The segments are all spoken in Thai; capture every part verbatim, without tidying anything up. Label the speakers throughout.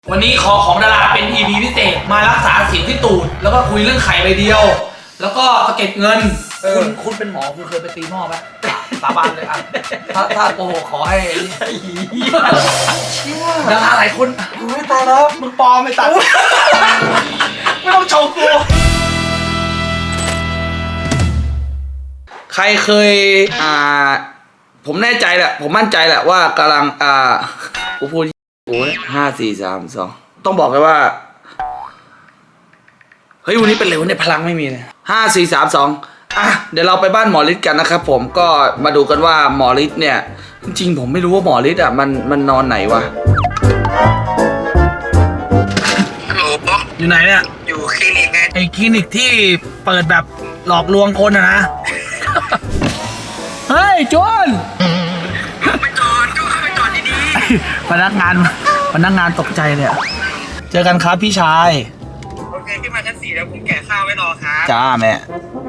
Speaker 1: วันนี้ขอของดาราเป็น อี พี พิเศษมารักษาสิวที่ตูดแล้วก็คุยเรื่องไข่ใบเดียว แล้วก็สะเก็ดเงินคุณคุณเป็นหมอคุณเคยไปตีหม้อไหมสาบานเลยอ่ะถ้าถ้าโกหกขอให้ดาราหลายคนไม่ตายแล้วมึงปลอมไม่ตัดไม่ต้องโชว์กูใครเคยอ่าผมแน่ใจแหละผมมั่นใจแหละว่ากำลังอ่ากูพูดโอ้ยห้าสี่สามสองต้องบอกเลยว่าเฮ้ยวันนี้เป็นเร็วเนี่ยพลังไม่มีเลยห้าสี่สามสองอ่ะเดี๋ยวเราไปบ้านหมอฤทธิ์กันนะครับผมก็มาดูกันว่าหมอฤทธิ์เนี่ยจริงๆผมไม่รู้ว่าหมอฤทธิ์อ่ะมันมันนอนไหนวะ
Speaker 2: ฮัลโหล
Speaker 1: อยู่ไหนเนี่ย
Speaker 2: อยู่คลินิกไง
Speaker 1: ไอคลินิกที่เปิดแบบหลอกลวงคนอะนะ เฮ้ยโจน
Speaker 2: ไปจอดก็เข้าไปจอดดี
Speaker 1: ๆพนักงานพนักงานตกใจเลยเจอกันครับพี่ชาย
Speaker 2: โอเคขึ้นมาชั้นสี่แล้วผมแกะข้าวไว้รอครับ
Speaker 1: จ้าแม่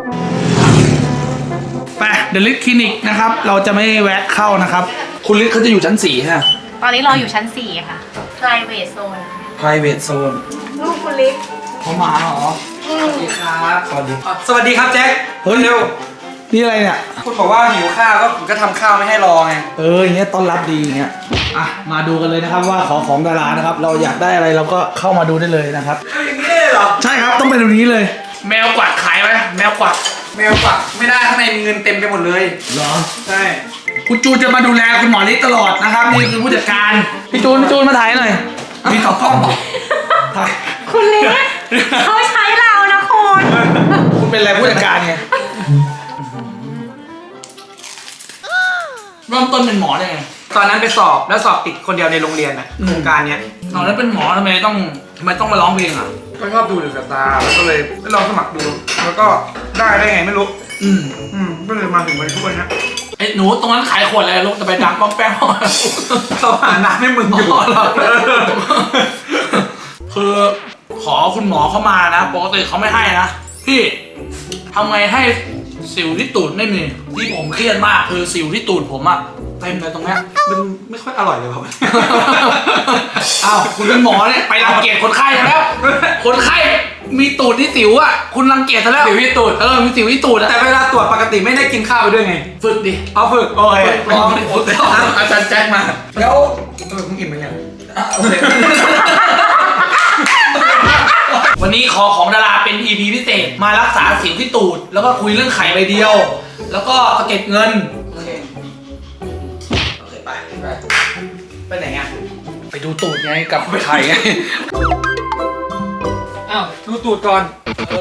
Speaker 1: ไปเดลิทคลินิกนะครับเราจะไม่แวะเข้านะครับคุณฤทธิ์เขาจะอยู่ชั้นสี่ฮะ
Speaker 3: ตอนนี้เราอยู่ชั้นสี่ค่ะ private zone
Speaker 1: private zone
Speaker 3: ลูกคุณฤทธิ์
Speaker 1: เขามาเหรอสวัสดีครับสวัสดี
Speaker 2: สวัสดีครับแจ็ค
Speaker 1: เฮ้ยเร็วนี่อะไรเนี่ย
Speaker 2: คุณบอกว่าหิวข้าวก็ผมก็ทำข้าวไม่ให้รอไง
Speaker 1: เอออย่างเงี้ยต้อนรับดีอย่างเงี้ยอ่ะมาดูกันเลยนะครับว่าของของดารานะครับเราอยากได้อะไรเราก็เข้ามาดูได้เลยนะครับ
Speaker 2: อย่างนี้เลยเหรอ
Speaker 1: ใช่ครับต้องเป็นแบบนี้เลยแมวกวักขายไหมแมวกวัก
Speaker 2: แมวกวักไม่ได้ข้างในมีเงินเต็มไปหมดเลย
Speaker 1: เหรอ
Speaker 2: ใช่
Speaker 1: คุณจูนจะมาดูแลคุณหมอฤทธิ์ตลอดนะครับนี่คือผู้จัดการพี่จูนพี่จูนมาถ่ายหน่อยมีต่อกล้องถ่าย
Speaker 3: คุณฤทธิ์เขาใช้เรานะคุณ
Speaker 1: คุณเป็นอะไรผู้จัดการไงเริ่มต้นเป็นหมอได้ไง
Speaker 2: ตอนนั้นไปสอบแล้วสอบติดคนเดียวในโรงเรียนน่ะโครงการเนี้ย
Speaker 1: ตอนนั้นเป็นหมอทำไมต้องทำไมต้องมาร้องเพลงอ่ะ
Speaker 2: ก็ชอบดูเดอะสตาร์แล้วก็เลยไปลองสมัครดูแล้วก็ได้ได้ไงไม่รู้
Speaker 1: อืม
Speaker 2: อืมก็เลยมาถึงวันทุกวันนี้
Speaker 1: ไอ้หนูตรงนั้นขายขวดอะไรลูกจะไปดังป้องแป้ง
Speaker 2: เขาหาน้ำให้มึงอยู่
Speaker 1: คือขอคุณหมอเข้ามานะปกติเขาไม่ให้นะพี่ทำไงให้สิวที่ตูดไม่มีที่ผมเครียดมากคือสิวที่ตูดผมอะเต็มเลยตรงนี้
Speaker 2: มันไม่ค่อยอร่อยเลยครับ
Speaker 1: อ้าวคุณเป็นหมอเนี่ยไปรังเกียจคนไข้แล้วคนไข้มีตูดที่สิวอะคุณรังเกียจซะแล้ว
Speaker 2: สิวที่ตูด
Speaker 1: เออมีสิวที่ตูด
Speaker 2: แต่เวลาตรวจปกติไม่ได้กินข้าวไปด้วยไง
Speaker 1: ฝึกดิ
Speaker 2: เอาฝึกโอเค
Speaker 1: ลองดิอาจารย์แจ็คมา
Speaker 2: แล้วเออมึงอิ่มไหมเนี่ย
Speaker 1: วันนี้ขอของดาราเป็น อี พี พิเศษมารักษาสิวที่ตูดแล้วก็คุยเรื่องไข่ใบเดียว แล้วก็สะเก็ดเงินโอเคโอเคไปไปไปไหนอ่ะไปดูตูดไงกับไข่ไง
Speaker 2: อ้าวดูตูดก่อน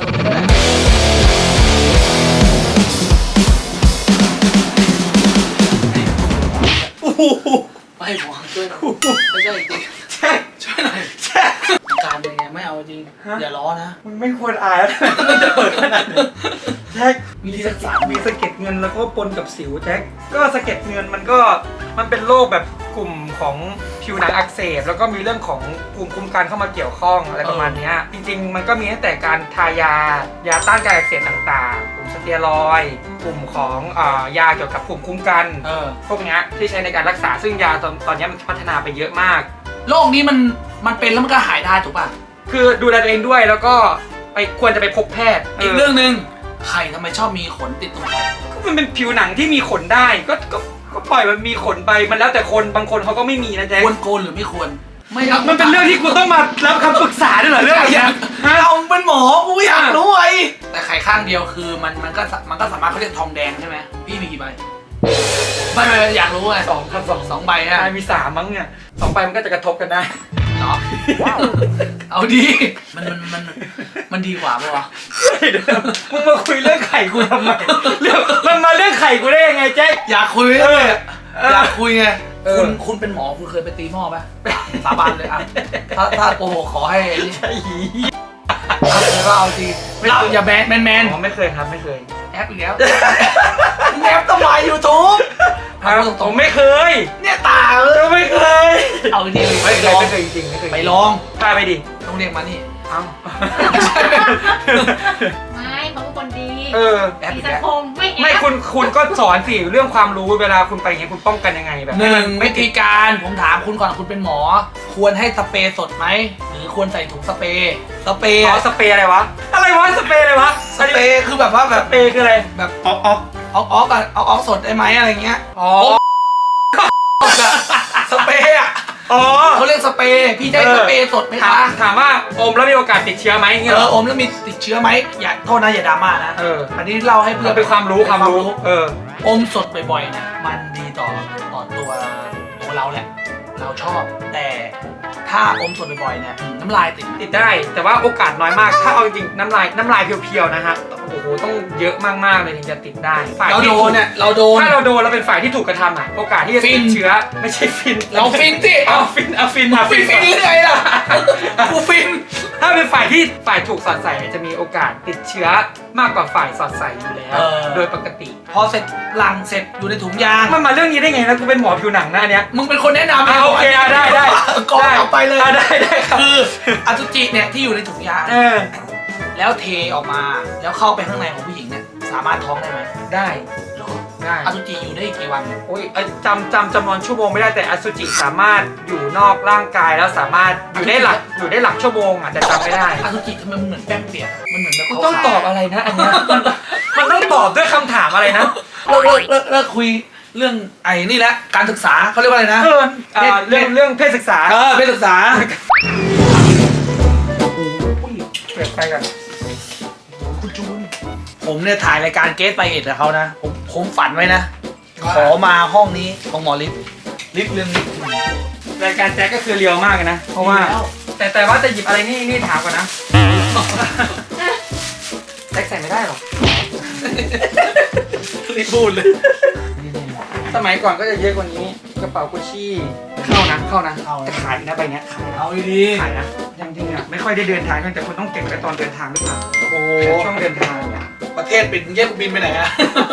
Speaker 1: โอ้โหไปหมอช่วยหน่อยไม่ใช่จริง
Speaker 2: แช่
Speaker 1: ช่วยหน่อยแช่การเป็นไงไม่เอาจริงอย่าล้อนะ
Speaker 2: มึงไม่ควรอายแล้วมันจะเปิดขนาดนี้แจ็คมีสะเก็ดมีสะเก็ดเงินแล้วก็ปนกับสิวแจ็คก็สะเก็ดเงินมันก็มันเป็นโรคแบบกลุ่มของผิวหนังอักเสบแล้วก็มีเรื่องของภูมิคุ้มกันเข้ามาเกี่ยวข้องอะไรประมาณนี้จริงๆมันก็มีตั้งแต่การทายายาต้านการอักเสบต่างๆกลุ่มสเตียรอยด์กลุ่มของอ่ายาเกี่ยวกับภูมิคุ้มกันพวกนี้ที่ใช้ในการรักษาซึ่งยาตอนตอนนี้มันพัฒนาไปเยอะมาก
Speaker 1: โรคนี้มันมันเป็นแล้วมันก็หายได้ถูกป่ะ
Speaker 2: คือดูแลตัวเองด้วยแล้วก็ไปควรจะไปพบแพทย์
Speaker 1: อีกเรื่องนึงไข่ทำไมชอบมีขนติดตรงไข่
Speaker 2: ก็มันเป็นผิวหนังที่มีขนได้ก็ก็ก็ปล่อยมันมีขนไปมันแล้วแต่คนบางคนเขาก็ไม่มีนะแจ๊ค
Speaker 1: ควรโกนหรือไม่ควร
Speaker 2: ไม่ครับมันเป็นเรื่องที่กูต้องมารับคำปรึกษาด้วยเหรอเรื่องนี้
Speaker 1: เราเป็นหมอกูอยากรู้ไอ้แต่ไข่ข้างเดียวคือมันมันก็มันก็สามารถเขาเรียกทองแดงใช่ไหมพี่มีกี่ใบไม่ไม่อยากรู้ไง
Speaker 2: สองครับสอง
Speaker 1: สองใบฮะ
Speaker 2: มีสามมั้งเนี่ยสองใบมันก็จะกระทบกันได้
Speaker 1: เนาะเอาดีมันมันมันมันดีกว่าป่ะวะ
Speaker 2: มึงมาคุยเรื่องไข่กูทำไมเรื่องมันมาเรื่องไข่กูได้ยังไงแจ๊ค
Speaker 1: อยากคุยเลยอยากคุยไงคุณคุณเป็นหมอคุณเคยไปตีหม้อไหมสาบานเลยอ่ะถ้าถ้าโกหกขอให้เลยว่าเอาจริงเราอย่าแบนแมนแมน
Speaker 2: ไม่เคยครับไม่เคย
Speaker 1: แอปอีกแล้วแอปต้องมายูทูบ
Speaker 2: ผมไม่เคย
Speaker 1: เนี่ยตาเออ
Speaker 2: ไม่เคย
Speaker 1: เอาจริง
Speaker 2: ไม่เคยไม่เคยจริงไม่เคย
Speaker 1: ไปลอง
Speaker 2: พาไปดิ
Speaker 1: ต้องเรียกมานี่
Speaker 3: ไม่เขาเป็นคนดี
Speaker 2: เออ
Speaker 1: แอป
Speaker 3: มี
Speaker 1: อีก
Speaker 3: สัง
Speaker 1: แล้ว
Speaker 3: คมไม่แอป
Speaker 2: ไม่คุณคุณก็สอนสิเรื่องความรู้เวลาคุณไปอย่างเงี้ยคุณป้องกันยังไงแบบ
Speaker 1: หนึ่งวิธีการผมถามคุณก่อนคุณเป็นหมอ ควรให้สเปรย์สดไหมหรือควรใส่ถุงสเปรย์สเปรย์
Speaker 2: อ๋อสเปรย์อะไรวะอะไรวะสเปรย์อะไรวะ
Speaker 1: สเปรย์คือแบบว่าแบ
Speaker 2: ส
Speaker 1: บ
Speaker 2: เปรย์คืออะไร
Speaker 1: แบบ
Speaker 2: ออกออก
Speaker 1: เอาออกอะเอาออกสดได้ไหมอะไรเงี้ย
Speaker 2: อ๋อ
Speaker 1: สเปรย์อะ
Speaker 2: อ๋อ
Speaker 1: เขาเรียกสเปรย์พี่จะให้สเปรย์สดไหม
Speaker 2: ถา
Speaker 1: คะ
Speaker 2: มถามว่าอมแล้วมีโอกาสติดเชื้อไหมเงี้ย
Speaker 1: เอ
Speaker 2: เหร
Speaker 1: อ
Speaker 2: อ
Speaker 1: อมแล้วมีติดเชื้อไหมอย่าโทษนะอย่าดราม่านะ
Speaker 2: เออ
Speaker 1: อันนี้เล่าให้เพื่
Speaker 2: เพื่
Speaker 1: อ
Speaker 2: อน เป็นความรู้ความรู้เออ
Speaker 1: อมสดบ่อยๆเนี่ยมันดีต่อต่อตัวตัวเราแหละ เราชอบ แต่ถ้าอมสดบ่อยๆเนี่ยน้ำลายติด
Speaker 2: ติดได้แต่ว่าโอกาสน้อยมาก ถ้าเอาจริงๆน้ำลายน้ำลายเพียวๆนะฮะโอ้โหต้องเยอะมากๆเลยถึงจะติดได้ฝ่าย
Speaker 1: เรา
Speaker 2: ที่
Speaker 1: โดนเนี่ยเราโดน
Speaker 2: ถ้าเราโดนเราเป็นฝ่ายที่ถูกกระทำอ่ะโอกาสที่จะ
Speaker 1: ฟิ
Speaker 2: ติ
Speaker 1: น
Speaker 2: ดเชื้อไม่ใช่ฟิน
Speaker 1: เราฟินสิ
Speaker 2: เอาฟินเอาฟิน
Speaker 1: กู
Speaker 2: เอา
Speaker 1: ฟิ
Speaker 2: ฟิ
Speaker 1: น
Speaker 2: น
Speaker 1: ฟินเลยล่ะกูฟิน
Speaker 2: ถ้าเป็นฝ่ายที่ฝ่ายถูกสอดใส่เนี่ยจะมีโอกาสติดเชื้อมากกว่าฝ่ายสอดใส่อยู่แล้ว
Speaker 1: เออ
Speaker 2: โดยปกติ
Speaker 1: พอเสร็จหลังเสร็จอยู่ในถุงยาง
Speaker 2: มันมาเรื่องนี้ได้ไงนะกูเป็นหมอผิวหนังนะอันเนี้ย
Speaker 1: มึงเป็นคนแนะนำ
Speaker 2: อ่ะโอเคอ่ะได้ได้
Speaker 1: ก่อนเอาไปเลย
Speaker 2: อ่ะได้ได้ครับ
Speaker 1: คืออสุจิเนี่ยที่อยู่ในถุงยาง
Speaker 2: เออ
Speaker 1: แล้วเทออกมาแล้วเข้าไปข้างในของผู้หญิงเนี่ยสามารถท้องได้ไหม
Speaker 2: ได้
Speaker 1: หรอ
Speaker 2: ได้
Speaker 1: อสุจิอยู่ได้กี่วัน
Speaker 2: โอ้ยเอ้ยจำจำจำนวนชั่วโมงไม่ได้แต่อสุจิสามารถอยู่นอกร่างกายแล้วสามารถอยู่ได้หลักอยู่ได้หลักชั่วโมงอ่ะแต่จำไม่ได้
Speaker 1: อสุจิทำไมมันเหมือนแป้งเปียกอะมันเหมือนแบบ
Speaker 2: คุณต้องตอบอะไรนะอันเนี้ยมันมันต้องตอบด้วยคำถามอะไรนะ
Speaker 1: เลิกเลิกเลิกเลิกคุยเรื่องไอ้นี่แหละการศึกษาเขาเรียกว่าอะไรนะ
Speaker 2: เออเอ่อเรื่องเรื่องเพศศึกษา
Speaker 1: เออเพศศึกษา
Speaker 2: เปิดไปกัน
Speaker 1: คุณจูนผมเนี่ยถ่ายรายการเกสไปเอ็ดกับเขานะผมผมฝันไว้นะ ขอมาห้องนี้ของหมอฤทธิ์ฤทธิ์เรื่องนี้
Speaker 2: รายการแจ็คก็คือเรียวมากเลยนะ เพราะว่า แต่แต่ว่าจะหยิบอะไรนี่นี่ถามก่อนนะแจ็คใส่ไม่ได้หรอก
Speaker 1: รีบพูดเลย
Speaker 2: สมัยก่อนก็จะเยอะกว่านี้กระเป๋ากุชชี่เข้านะเข้านะ
Speaker 1: เข้านะ
Speaker 2: แต่ขายนะใบเนี้ยขาย
Speaker 1: เอาดี
Speaker 2: ขายนะจริงๆอ่ะไม่ค่อยได้เดินทางกันแต่คุณต้องเก็บไว้ตอนเดินทางหรือเปล่า
Speaker 1: โอ้
Speaker 2: ช่วงเดินทางเนี่ย
Speaker 1: ประเทศปิดแยกบินไปไหนอะ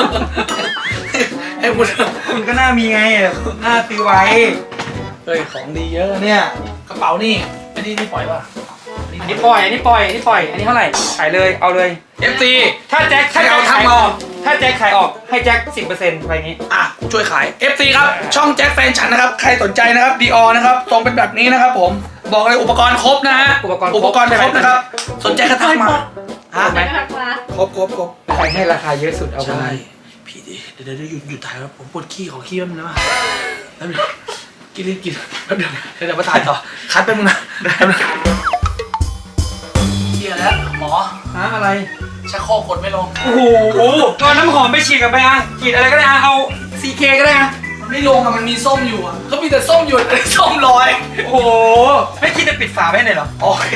Speaker 1: ให้คุณ
Speaker 2: คุณก็น่ามีไงหน้าตีไว้
Speaker 1: เฮ้ยของดีเยอะเนี่ยกระเป๋านี่อันนี้นี่ปล่อยป่ะ
Speaker 2: อันนี้ปล่อยอันนี้ปล่อยอันนี้ปล่อยอันนี้เท่าไหร่ขายเลยเอาเลย
Speaker 1: เอฟซี
Speaker 2: ถ้าแจ็คถ้า
Speaker 1: ให้
Speaker 2: แจ็
Speaker 1: เอา
Speaker 2: ค
Speaker 1: ทั้
Speaker 2: ขาง ย
Speaker 1: หม
Speaker 2: อ
Speaker 1: อ
Speaker 2: อกถ้าแจ็คขายออกให้แจ็คสิบเปอร์เซ็นต์ไปนี้
Speaker 1: อ่ะกูช่วยขาย เอฟซี ครับ ช่องแจ็คแฟนฉันนะครับ ใครสนใจนะครับดีออนะครับทรงเป็นแบบนี้นะครับผม บอกเลยอุปกรณ์ครบนะฮะ
Speaker 2: อุปกรณ์ครบ
Speaker 1: อุปกรณ์ครบนะครับ สนใจก็ทักมาฮะ
Speaker 2: ไหม
Speaker 3: ไม่ทักมา
Speaker 1: ครบครบครบ
Speaker 2: ใครให้ราคาเยอะสุดเอาไป
Speaker 1: ใช่พี่ดิเดี๋ยวเดี๋ยวหยุดหยุดถ่ายแล้วผมปวดขี้ขอขี้แป๊บนึงนะมาแป๊บนึงกินรีบกินแป๊บเดียวเดี๋ยวเดี๋ยวมาถ่ายต่อ คัดแป๊บนึงนะแป๊บนึงเฮียแล้วหมอ
Speaker 2: ฮะอะไร
Speaker 1: ชักโครกกดไม่ลง
Speaker 2: โอ้โหเอาน้ำหอมไปฉีดกันไปอ่ะฉีดอะไรก็ได้อ่ะเอา ซี เค ก็ได้นะ
Speaker 1: มันไม่ลงอะมันมีส้มอยู่อะก็มีแต่ส้มอยู่แต่ส้มลอย
Speaker 2: โอ้โหไม่คิดจะปิดฝาไว้หน่อยเหรอ
Speaker 1: โอเค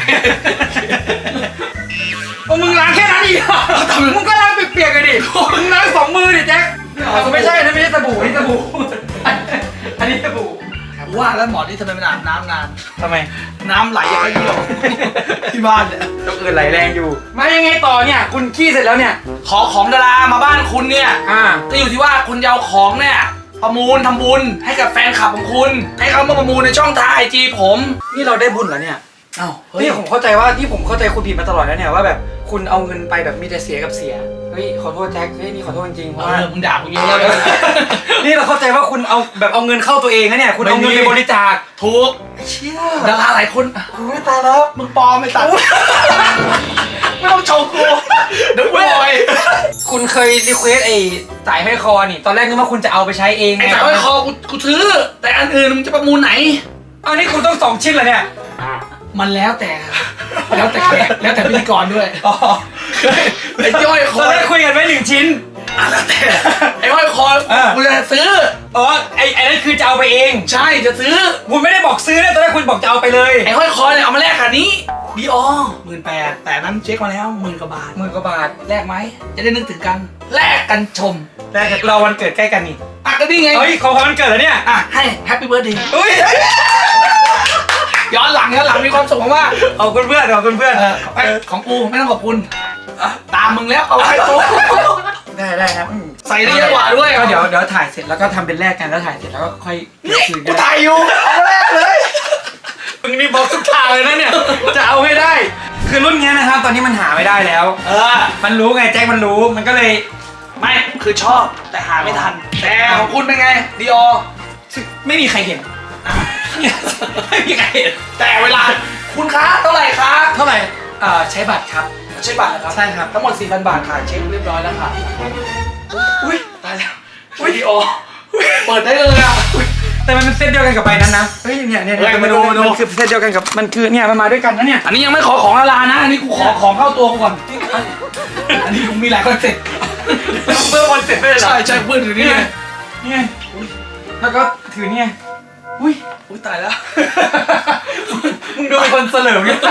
Speaker 2: โอ้มึงล้างแค่นั้นอีกเหรอมึงก็ล้างเปียกๆกันดิมึงล้างสองมือดิแจ็คอ๋อไม่ใช่นะไม่ใช่สบู่นี่สบู่อันนี้สบู่
Speaker 1: ว่าแล้วหมอที่ทำไมไม่อาบน้ำนาน
Speaker 2: ทำไม
Speaker 1: น้ำไหลอย่างไรเดียว ที่บ้านเนี่ย
Speaker 2: ต้องอื่นไหลแรงอยู่มายังไงต่อเนี่ยคุณขี้เสร็จแล้วเนี่ย
Speaker 1: ขอของดารามาบ้านคุณเนี่ย
Speaker 2: อ่า
Speaker 1: ก็อยู่ที่ว่าคุณจะเอาของเนี่ยประมูลทำบุญให้กับแฟนคลับของคุณ ให้เขามาประมูลในช่องทางไอจีผม
Speaker 2: นี่เราได้บุญเหรอเนี่ย
Speaker 1: เอ้าเฮ้ย
Speaker 2: นี่ผมเข้าใจว่าที่ผมเข้าใจคุณผิดมาตลอดแล้วเนี่ยว่าแบบคุณเอาเงินไปแบบมีแต่เสียกับเสียเฮ้ยขอโทษแจ็คเฮ้ยนี่ขอโทษจริงๆเพ
Speaker 1: เอ
Speaker 2: ราะว่า
Speaker 1: อมึงด่ากูเยอะแล้วเลย
Speaker 2: นี่เราเข้าใจว่าคุณเอาแบบเอาเงินเข้าตัวเองนะเนี่ยคุณเอาเงินไปบริจาค
Speaker 1: ถูก
Speaker 2: เชี่ย
Speaker 1: ดาราหลายคน
Speaker 2: โอ้ยตายแล้ว
Speaker 1: มึงปลอมไม่ตัดไม่ต้องโชว์กูเดี๋ยวกูลอย
Speaker 2: คุณเคยรีเควสไอ้สายห้อยคอนี่ตอนแรกนึกว่าคุณจะเอาไปใช้เอง
Speaker 1: ไอ้สายห้อยคอกูกูซื้อ แต่อันอื่นมึงจะประมูลไหน
Speaker 2: เอานี่คุณต้องสองชิ้นเหรอเนี่ย
Speaker 1: มันแล้วแต่ แล้วแต่แขกแล้วแต่พิธีกรด้วย
Speaker 2: อ๋อ
Speaker 1: ไอ้ย่อยค
Speaker 2: ต
Speaker 1: อ
Speaker 2: อนแรกคุยกันไว้หนึ่งชิ้น
Speaker 1: อ่ะแล้วแต่ไอ้ห้อยคอ
Speaker 2: เออ
Speaker 1: กูจะซื้อ
Speaker 2: อ๋อไอ้ไอ้นั่นคือจะเอาไปเอง
Speaker 1: ใช่จะซื้อ
Speaker 2: คุณไม่ได้บอกซื้อนะตอนแรกคุณบอกจะเอาไปเลย
Speaker 1: ไอ้ห้อยคอเนี่ยเอามาแลกกับนี้ดีออหมื่นแปดแต่นั้นเช็คมาแล้วหมื่นกว่าบาท
Speaker 2: หมื่นกว่าบาท
Speaker 1: แลกไหมจะได้นึกถึงกันแลกกันชม
Speaker 2: แรกเราวันเกิดใกล้กันนี่
Speaker 1: อ่ะก็นี่ไง
Speaker 2: เฮ้ยของวันเกิดแล้วเนี่ย
Speaker 1: อ่ะให้แฮปปี้เบิร์ดเดย์
Speaker 2: เฮ้ย
Speaker 1: ย้อนหลังย้อนหลังมีความสุขมาก
Speaker 2: ขอบคุณเพื่อนขอบคุณเพื่อน
Speaker 1: ๆเออไอ้ของกูไม่ต้องขอบคุณอ่ะตามมึงแล้วเอาไว้กู
Speaker 2: ได้ได้ครับอืม
Speaker 1: ใส่ได้เยอะกว่าด้วย
Speaker 2: ก็เดี๋ยวเดี๋ยวถ่ายเสร็จแล้วก็ทำเป็นแรกกันแล้วถ่ายเสร็จแล้วก็ค่อย
Speaker 1: นี่
Speaker 2: คืน
Speaker 1: กู
Speaker 2: กัน
Speaker 1: ถ่ายอยู่เอาแรกเลย
Speaker 2: มึงนี่บอกทุกทางเลยนะเนี่ยจะเอาให้ได้ คือรุ่นเนี้ยนะครับ ตอนนี้มันหาไม่ได้แล้ว
Speaker 1: เออ
Speaker 2: มันรู้ไงแจ็คมันรู้มันก็เลย
Speaker 1: ไม่คือชอบแต่หาไม่ทัน แต่ของคุณเป็นไงดีออ
Speaker 2: ไม่มีใครเห็น
Speaker 1: ไม่มีใครเห็นแต่เวลาคุณคะเท่าไหร่คะ
Speaker 2: เท่าไหร่เอ่อใช้บัตรครับ
Speaker 1: ใช่บัตรนะครับ
Speaker 2: ใช่ครับ
Speaker 1: ทั้งหมด สี่พัน บาทค่ะเช็คเรียบร้อยแล้วค่ะอุ้ยตายแล้วอุ้ยดีออเปิดได้เลยอ่ะ
Speaker 2: แต่มันเป็นเซตเดียวกันกับใบนั้นนะเฮ้ยเนี่ยเนี่ย
Speaker 1: เฮ้ยมาดูมาดู
Speaker 2: นคือเซตเดียวกันกับมันคือเนี่ยมันมาด้วยกันนะเนี่ย
Speaker 1: อันนี้ยังไม่ขอของละลานะอันนี้กูขอของเข้าตัวกูก่อนอันนี้ผมมีหลายคอนเซ็ปต์
Speaker 2: เมื่อวันเสร็จได้เลยเหรอ
Speaker 1: ใช่ใช่เพื่อนอยู่นี่ไง
Speaker 2: เนี่ยแล้วก็ถือเนี่ยอุ้ย
Speaker 1: อุ้ยตายแล้ว
Speaker 2: มึงดูเป็นคนเสลิมเนี่ย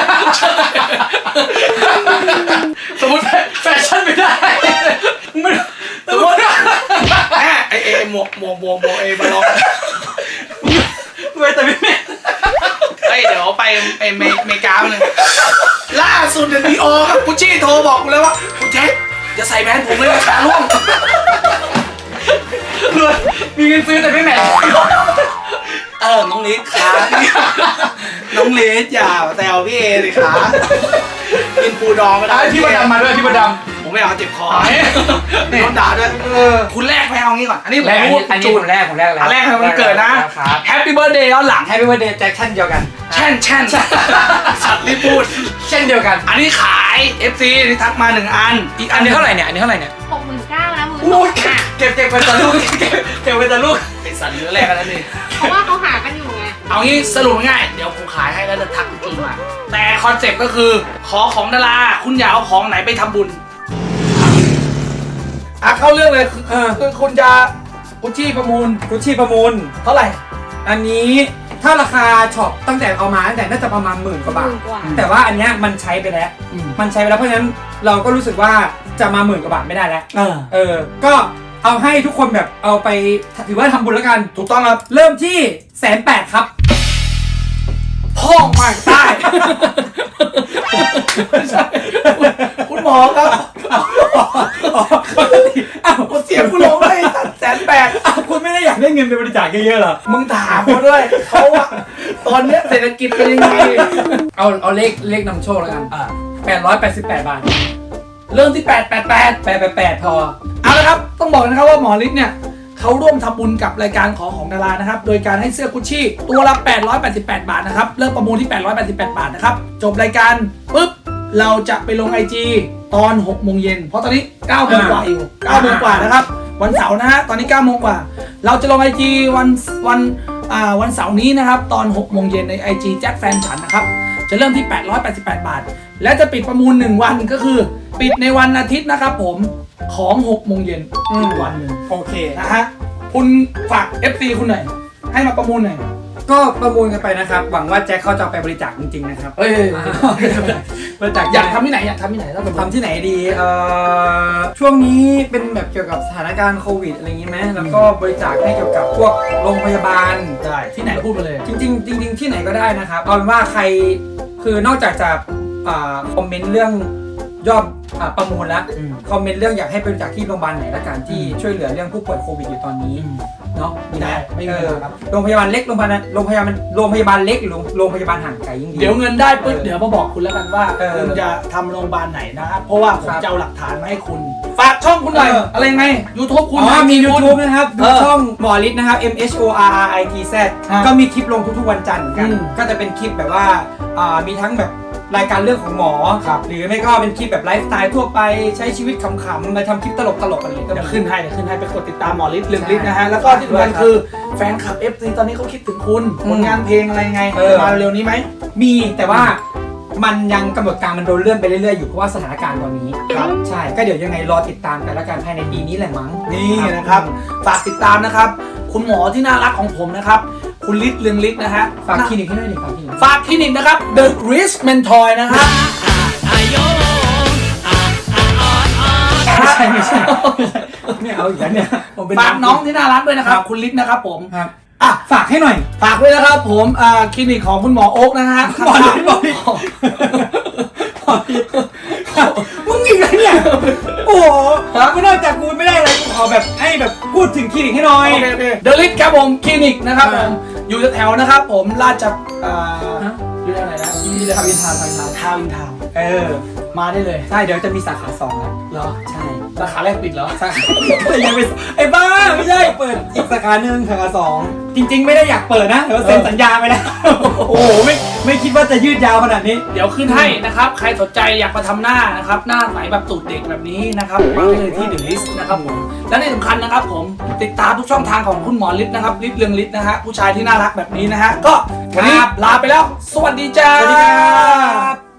Speaker 1: สมมติแฟชั่นไม่ได้มึงสมมติไอ้ไอ้ไอ้หมวกหมวกหมวกหมวกไอ้บอลลอน
Speaker 2: รวยแต่ไม่แม่
Speaker 1: เฮ้ยเดี๋ยวไปไปเมเมกาเลยล่าสุดเดนีโอครับกุชชี่โทรบอกกูเลยว่าคุณแจ็คจะใส่แบรนด์ผมเลยราคาร่วง
Speaker 2: รวยมีเงินซื้อแต่ไม่แม่
Speaker 1: เออน้องลิศขาน้องลิศอย่าแซวพี่เอสิขากินปูดองไม่ได้
Speaker 2: พี่ประดำมาด้วยพี่ประด
Speaker 1: ผมไม่เอาเจ็บคอ
Speaker 2: ำ
Speaker 1: โดนด่าด้วย
Speaker 2: เออ
Speaker 1: คุณแรกไปเอางี้ก่อนอันนี้ผม
Speaker 2: แรกอัน
Speaker 1: รู้
Speaker 2: นี้อันนี้
Speaker 1: จู
Speaker 2: ผมแรกผมแรกแล้ว
Speaker 1: อันแรกให้มันเกิดนะแฮปปี้เบิร์ดเดย์ย้อนหลัง
Speaker 2: แฮปปี้เบิร์ดเดย์แจ็คชั่นเดียวกัน
Speaker 1: แช่นแช่นสัตว์รีบพูด
Speaker 2: เช่นเดียวกัน
Speaker 1: อันนี้ขาย เอฟ ซี ที่ทักมาหนึ่งอันอีก
Speaker 2: อั
Speaker 1: อั
Speaker 2: น
Speaker 1: น
Speaker 2: นี้เท่าไหร่เนี่ยอันนี้เท่าไหร่เนี่ย
Speaker 3: หกหมื่นเก้านะมือ
Speaker 2: โอ้ยเก็บเก็บเป็นตะลูกเก็บเก็บเป็นตะลูก
Speaker 1: ไอสัตว์เนื้อแรกกันแล้วนี่
Speaker 3: เพราะว่าเขาหากันอยู่ไง
Speaker 1: เอางี้สรุปง่ายๆเดี๋ยวผมขายให้แล้วจะทักจริงมาแต่คอนเซ็ปต์ก็คือขอของดาราคุณอย่าเอาของไหนไปทำบุญอ่ะเข้าเรื่องเลยคือ
Speaker 2: เออ
Speaker 1: คือคุณจะกุชชี่ประมูล
Speaker 2: กุชชี่ประมูล
Speaker 1: เท่าไหร่
Speaker 2: อันนี้ถ้าราคาช็อปตั้งแต่เอามาตั้งแต่น่าจะประมาณหมื่นกว่าบาท
Speaker 3: หมื่นกว่า
Speaker 2: แต่ว่าอันเนี้ยมันใช้ไปแล้ว มันใช้ไปแล้วเพราะฉะนั้นเราก็รู้สึกว่าจะมาหมื่นกว่าบาทไม่ได้แล้ว
Speaker 1: เออ
Speaker 2: เออ ก็เอาให้ทุกคนแบบเอาไปถือว่าทำบุญแล้วกัน
Speaker 1: ถูกต้องครับ
Speaker 2: เริ่มที่แสนแปดครับ
Speaker 1: พ่องมาใต้ คุณหมอครับ
Speaker 2: อ้าว
Speaker 1: เสียงกูลงเลยแสนแปด
Speaker 2: อ้าวคุณไม่ได้อยากได้เงินไปบริจาคเยอะๆเหรอ
Speaker 1: มึงถามเขาด้วยเขาว่าตอนเนี้ยเศรษฐกิจเป็นยังไง
Speaker 2: เอาเอาเลขเลขนำโชคแล้วกัน
Speaker 1: อ่า
Speaker 2: แปดร้อยแปดสิบแปดบาท
Speaker 1: เริ่มที่แปดแปดแปด
Speaker 2: แปดแปดแปดพอ
Speaker 1: เอาละครับ ต้องบอกนะครับว่าหมอฤทธิ์เนี่ยเขาร่วมทำบุญกับรายการขอของดารานะครับ โดยการให้เสื้อกุชชี่ตัวละแปดร้อยแปดสิบแปดบาทนะครับ เริ่มประมูลที่แปดร้อยแปดสิบแปดบาทนะครับ จบรายการปุ๊บ เราจะไปลง ไอ จี ตอนหกโมงเย็น เพราะตอนนี้เก้าโมงกว่าอยู่เก้าโมงกว่านะครับ วันเสาร์นะฮะ ตอนนี้เก้าโมงกว่า เราจะลง ไอ จี วันวันอ่าวันเสาร์นี้นะครับ ตอนหกโมงเย็นใน ไอ จี แจ็คแฟนฉันนะครับ จะเริ่มที่แปดร้อยแปดสิบแปดบาท และจะปิดประมูลหนึ่งวันก็คือ ปิดในวันอาทิตย์นะครับผมของหกโมงเย็นอีกวันหนึ่ง
Speaker 2: โอเค
Speaker 1: นะฮะ คุณฝาก เอฟ ซี คุณหน่อย ให้มาประมูลหน่อย
Speaker 2: ก็ประมูลกันไปนะครับ หวังว่าแจ็คเขาจะเอาไปบริจาคจริงๆนะครับ
Speaker 1: เอ้ย
Speaker 2: บริจาค
Speaker 1: อยากทำที่ไหนอยากทำที่ไหนแล้ว
Speaker 2: ทำที่ไหนดีเอ่อช่วงนี้เป็นแบบเกี่ยวกับสถานการณ์โควิดอะไรอย่างงี้ไหมแล้วก็บริจาคให้เกี่ยวกับพวกโรงพยาบาล
Speaker 1: ได้ที่ไหนพูดไปเลย
Speaker 2: จริงๆจริงๆที่ไหนก็ได้นะครับเอาเป็นว่าใครคือนอกจากจะอ่าคอมเมนต์เรื่องยอดอ่าประมูลแล้ว
Speaker 1: อืม
Speaker 2: คอมเมนต์เรื่องอยากให้บริจาคที่โรงพยาบาลไหนละกันที่ช่วยเหลือเรื่องผู้ป่วยโควิดอยู่ตอนนี้เนาะ
Speaker 1: ได้ ไม่มี
Speaker 2: เอ
Speaker 1: ปัญ
Speaker 2: อ
Speaker 1: หาครับ
Speaker 2: โรงพยาบาลเล็กโรงพยาบาลโรงพยาบาลโรงพยาบาลเล็กหรือโรงพยาบาลห่างไกลยิ่งดี
Speaker 1: เดี๋ยวเงินได้ปุ๊บเดี๋ยวมาบอกคุณแล้วกันว่า
Speaker 2: เออ
Speaker 1: คุณจะทำโรงพยาบาลไหนนะครับ เพราะว่าผม
Speaker 2: ครับ
Speaker 1: จะเอาหลักฐานมาให้คุณ ฝากช่องคุณหน่อย
Speaker 2: เอออ
Speaker 1: อะไรไง YouTube คุณ
Speaker 2: อ๋อมี
Speaker 1: คุณ
Speaker 2: YouTube นะครับ ดู
Speaker 1: เออ
Speaker 2: ช่องหมอฤทธิ์นะครับ M H O R R I T Z
Speaker 1: อ่ะ
Speaker 2: ก็มีคลิปลงทุกๆวันจันทร์เหมือนกัน
Speaker 1: อืม
Speaker 2: ก็จะเป็นคลิปแบบว่าอ่ามีทั้งแบบรายการเรื่องของหมอ
Speaker 1: ครับ
Speaker 2: หรือไม่ก็เป็นคลิปแบบไลฟ์สไตล์ทั่วไปใช้ชีวิตขำๆมาทำคลิปตลกๆอะไรก็
Speaker 1: เดี๋ยว
Speaker 2: มี
Speaker 1: ขึ้นให้เดี๋ยวขึ้นให้ไปกดติดตามหมอฤทธิ์ลืมฤทธิ์
Speaker 2: ใช่
Speaker 1: นะฮะ แล้วก็ที่สำคัญ
Speaker 2: ครับ
Speaker 1: คือแฟนคลับ เอฟ ซี ตอนนี้เขาคิดถึงคุณ
Speaker 2: อืม
Speaker 1: ผลงานเพลงอะไรไง
Speaker 2: เออ
Speaker 1: มาเร็วนี้ไหม
Speaker 2: มีแต่ว่ามันยังกำหนดการมันโดนเลื่อนไปเรื่อยๆอยู่เพราะว่าสถานการณ์ตอนนี้
Speaker 1: ครับ
Speaker 2: ใช่ก็เดี๋ยวยังไงรอติดตามกันแล้วกันภายในปีนี้แหละมั้ง
Speaker 1: นี่นะครับ ฝากติดตามนะครับ คุณหมอที่น่ารักของผมนะครับ คุณฤทธิ์เรืองฤทธิ์นะฮะ
Speaker 2: ฝากคลินิกให้ด้วยดิฝากคลินิก
Speaker 1: ฝากคลินิกนะครับ The Rich Mentor นะครับ
Speaker 2: ไม่ใช่ไม่ใช่ไม่เอาอีกแล้วเนี่ยผมเป็น
Speaker 1: ฝากน้องที่น่ารักด้วยนะครับ คุณฤทธิ์นะครับผม
Speaker 2: ครับ
Speaker 1: อ่ะ
Speaker 2: ฝากให้หน่อย
Speaker 1: ฝากด้วยนะครับผมอ่าคลินิกของคุณหมอโอ๊กนะฮะ
Speaker 2: หมอฤทธิ์หมอฤทธิ์ มึงอีกแล้วเนี่ย โอ้โหกูนอกจากกูไม่ได้อะไรกูขอแบบให้แบบพูดถึงคลินิกให้หน่อย
Speaker 1: โอเคโอเคเดลิทครับผมคลินิกนะครับผม อยู่แถวๆนะครับผมราชอ่า
Speaker 2: ฮะ
Speaker 1: อยู่แถวไหนนะนี่เลยครับอินทาวน์ทาวน์ทาวน์ทาวน์อินทาวน์
Speaker 2: เออ
Speaker 1: มาได้เลย
Speaker 2: ใช่เดี๋ยวจะมีสาขาสองแล้ว
Speaker 1: เหรอ
Speaker 2: ใช่
Speaker 1: สาขาแรกปิดเหรอ
Speaker 2: สาขายังไม่ไอ้บ้าไม่ใช่เปิดอีกสาขาหนึ่งสาขาสองจริง ๆ ไม่ได้อยากเปิดนะแต่ว่าเซ็นสัญญาไปแล้วโอ้โหไม่ไม่คิดว่าจะยืดยาวขนาดนี้
Speaker 1: เดี๋ยวขึ้นให้นะครับใครสนใจอยากมาทำหน้านะครับหน้าใสแบบตูดเด็กแบบนี้นะครับมาได้เลยที่เดอะลิสต์นะครับผมและที่สำคัญนะครับผมติดตามทุกช่องทางของคุณหมอฤทธิ์นะครับฤทธิ์เรืองฤทธิ์นะฮะผู้ชายที่น่ารักแบบนี้นะฮะก็วันนี้ลาไปแล้วสวัสดีจ้า
Speaker 2: สวัสดีครับ